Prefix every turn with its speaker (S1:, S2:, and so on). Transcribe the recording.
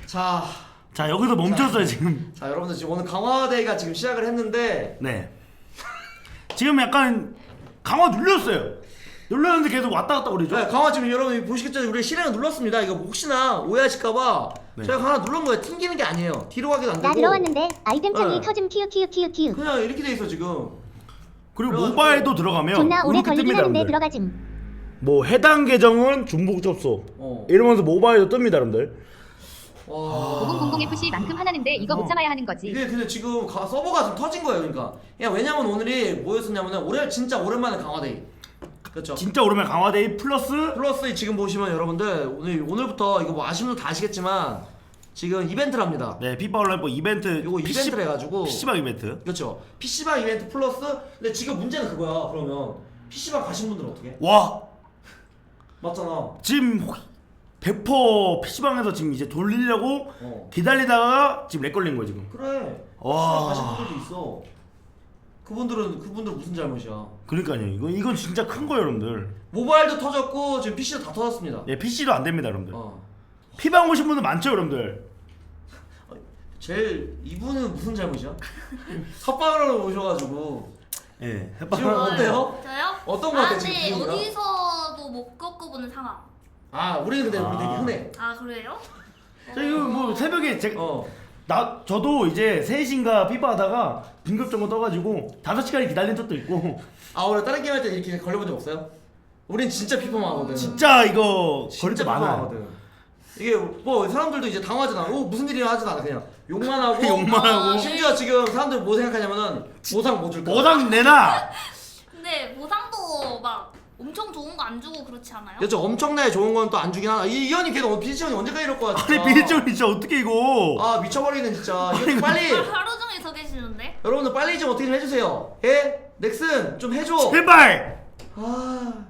S1: 자 여기서 멈췄어요 지금.
S2: 자 여러분들 지금 오늘 강화대회가 지금 시작을 했는데
S1: 네. 지금 약간 강화 눌렸어요. 눌렀는데 계속 왔다 갔다 그러죠.
S2: 네, 강화 지금 여러분 보시겠죠? 우리 실행을 눌렀습니다. 이거 혹시나 오해하실까봐
S1: 네.
S2: 제가 하나 눌른 거예요. 튕기는 게 아니에요. 뒤로 가기도 안 되고.
S3: 나 들어왔는데 아이템 창이
S2: 네.
S3: 터짐 튀우.
S2: 그냥 이렇게 돼 있어 지금.
S1: 그리고
S2: 그래가지고
S1: 모바일도 들어가면
S3: 존나 오래
S1: 이렇게
S3: 걸리긴
S1: 뜹니다,
S3: 하는데
S1: 여러분들.
S3: 들어가짐.
S1: 뭐 해당 계정은 중복 접속
S2: 어.
S1: 이러면서 모바일도 뜹니다 여러분들.
S2: 와.
S4: 5000FC만큼 하나는데 이거 못 참아야 하는 거지.
S2: 이게 근데 지금 서버가 좀 터진 거예요. 그러니까. 그냥 왜냐면 오늘이 뭐였었냐면은 진짜 오랜만에 강화데이. 그렇죠.
S1: 진짜 오랜만에 강화데이 플러스
S2: 지금 보시면 여러분들 오늘부터 이거 뭐 아시는 분들 다 아시겠지만 지금 이벤트를 합니다.
S1: 네 피파 온라인 이벤트
S2: 요거 이벤트를 해가지고
S1: PC방 이벤트.
S2: 그렇죠. PC방 이벤트 플러스 근데 지금 문제는 그거야. 그러면 PC방 가신 분들은 어떻게?
S1: 와
S2: 맞잖아.
S1: 지금 100% PC방에서 지금 이제 돌리려고 기다리다가 지금 렉 걸린 거야 지금.
S2: 그래.
S1: 와.
S2: PC방 가신 분들도 있어. 그분들 무슨 잘못이야?
S1: 그러니까요. 이건 진짜 큰 거예요 여러분들.
S2: 모바일도 터졌고 지금 PC도 다 터졌습니다.
S1: 예 PC도 안 됩니다 여러분들.
S2: 어.
S1: 피방 오신 분들 많죠 여러분들.
S2: 제일 이분은 무슨 잘못이야? 섭방으로 오셔가지고
S1: 예.
S2: 지금 어때요?
S5: 저요?
S2: 어떤 거 같아 지금
S5: 근데
S2: 분위기가?
S5: 어디서도 못 겪어보는 상황.
S2: 아 우리 근데 우리 되게 흔해.
S5: 아 그래요?
S1: 저 이거 뭐 새벽에
S2: 어.
S1: 저도 이제 3시인가 피파 하다가 긴급정보 떠가지고 5시간을 기다린 적도 있고.
S2: 아 원래 다른 게임 할 때 이렇게 걸려본 적 없어요? 우린 진짜 피파만 하거든.
S1: 진짜 이거 걸릴 때
S2: 진짜
S1: 많아요.
S2: 피파하거든. 이게 뭐 사람들도 이제 당황하잖아. 무슨 일이나 하진 않아 그냥 욕만 하고.
S1: 욕만 하고.
S2: 심지어 지금 사람들 뭐 생각하냐면은 보상 뭐 줄까?
S1: 보상 내놔.
S5: 근데 보상도 막 엄청 좋은 거 안 주고 그렇지 않아요?
S2: 그렇죠. 엄청나게 좋은 건 또 안 주긴 하나. 이 형이 걔도 비지형이 언제까지 이럴 거야 진짜.
S1: 아니 비일정이 진짜 어떻게 이거.
S2: 아 미쳐버리네 진짜. 이거 좀 빨리.
S5: 하루 종일 서 계시는데?
S2: 여러분들 빨리 좀 어떻게 좀 해주세요. 예? 넥슨 좀 해줘.
S1: 제발.
S2: 아